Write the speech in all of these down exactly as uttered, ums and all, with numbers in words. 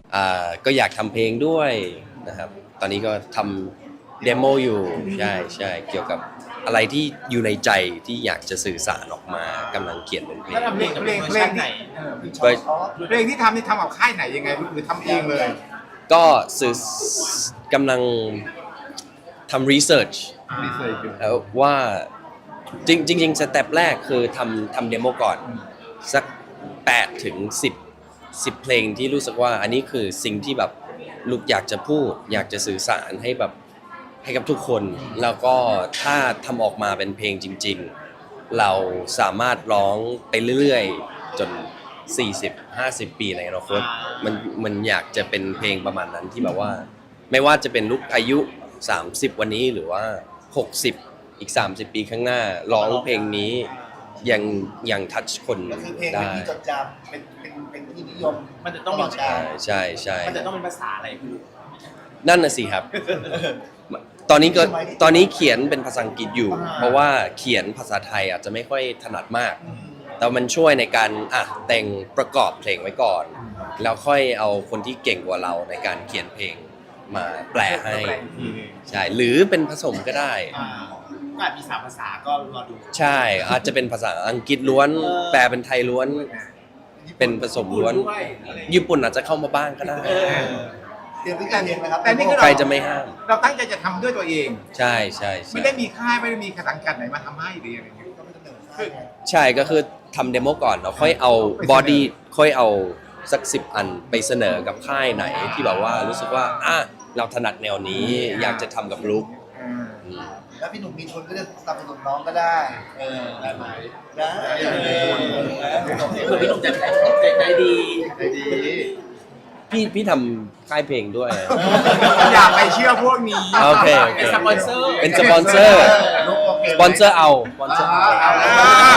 อ่าก็อยากทำเพลงด้วยนะครับตอนนี้ก็ทำเดโมอยู่ใช่ใช่เกี่ยวกับอะไรที่อยู่ในใจที่อยากจะสื่อสารออกมากำลังเขียนเป็นเพลงแล้วทำเพลงเพลงเพลงที่เออเว้ยเพลงที่ทำนี่ทำกับค่ายไหนยังไงหรือทำเองเลยก็สื่อกำลังทำรีเสิร์ชรีเสิร์ชอยู่แล้วว่าจริงจริงๆสเต็ปแรกคือทำทำเดโมก่อนสักแปดถึงสิบ สิบเพลงที่รู้สึกว่าอันนี้คือสิ่งที่แบบลูกอยากจะพูดอยากจะสื่อสารให้แบบให้กับทุกคนแล้วก็ถ้าทำออกมาเป็นเพลงจริงๆเราสามารถร้องไปเรื่อยๆจนสี่สิบ ห้าสิบ ปีในอนาคตมันมันอยากจะเป็นเพลงประมาณนั้นที่แบบว่าไม่ว่าจะเป็นลูกอายุสามสิบวันนี้หรือว่าหกสิบอีกสามสิบปีข้างหน้าร้องเพลงนี้ยังยังทัชคนก็คือเพลงเป็นได้ที่จดจำเป็นเป็นเป็นที่นิยมมันจะต้องมีใช่ใช่ใช่มันจะต้องเป็นภาษาอะไรพี่นั่นน่ะสิครับ ตอนนี้ก็ตอนนี้เขียนเป็นภาษาอังกฤษอยู่ เพราะว่าเขียนภาษาไทยอาจจะไม่ค่อยถนัดมาก แต่มันช่วยในการอ่ะแต่งประกอบเพลงไว้ก่อน แล้วค่อยเอาคนที่เก่งกว่าเราในการเขียนเพลงมาแปลให้ใช่หรือเป็นผสมก็ได้อ่าก็อาจมีสามภาษาก็รอดูใช่อาจจะเป็นภาษาอังกฤษล้วนเออแปลเป็นไทยล้วน เป็นผสมล้วนด้วยอะไรอย่างเงี้ยญี่ปุ่นอาจจะเข้ามาบ้างก็ได้เออเตรียมวิการเองนะครับแต่นี่ก็ใครจะไม่ห้ามเราตั้งใจจะทำด้วยตัวเองใช่ใช่ไม่ใช่ได้มีค่ายไม่ได้มีสังกัดไหนมาทำให้หรืออะไรอย่างเงี้ยก็ไม่ต้องเหนื่อยค่ายไงใช่ก็คือทำเดโมก่อนแล้วค่อยเอาบอดี้ค่อยเอาสักสิบอันไปเสนอกับค่ายไหนที่แบบว่ารู้สึกว่าอ่ะเราถนัดแนวนี้อยากจะทำกับลุกอ่าอืมแล้วพี่หนุ่มมีทุนก็จะสนับสนุนน้องก็ได้เออได้ไหมได้เผื่อพี่หนุ่มจะใจใจดีได้ดีพี่พี่ทำค่ายเพลงด้วยอย่าไปเชื่อพวกนี้โอเคโอเคเป็นสปอนเซอร์เป็นสปอนเซอร์ลูกโอเคสปอนเซอร์เอาสปอนเซอร์เอาเอาแล้ว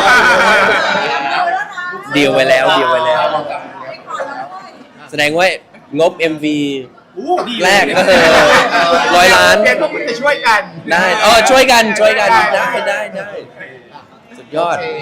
ดีลไว้แล้วดีลไว้แล้ว แสดงว่างบ เอ็ม วีอู้ดีแรกก็คือร้อยล้านเดี๋ยวพวกคุณจะช่วยกันได้เออช่วยกันช่วยกันได้ได้ได้สุดยอด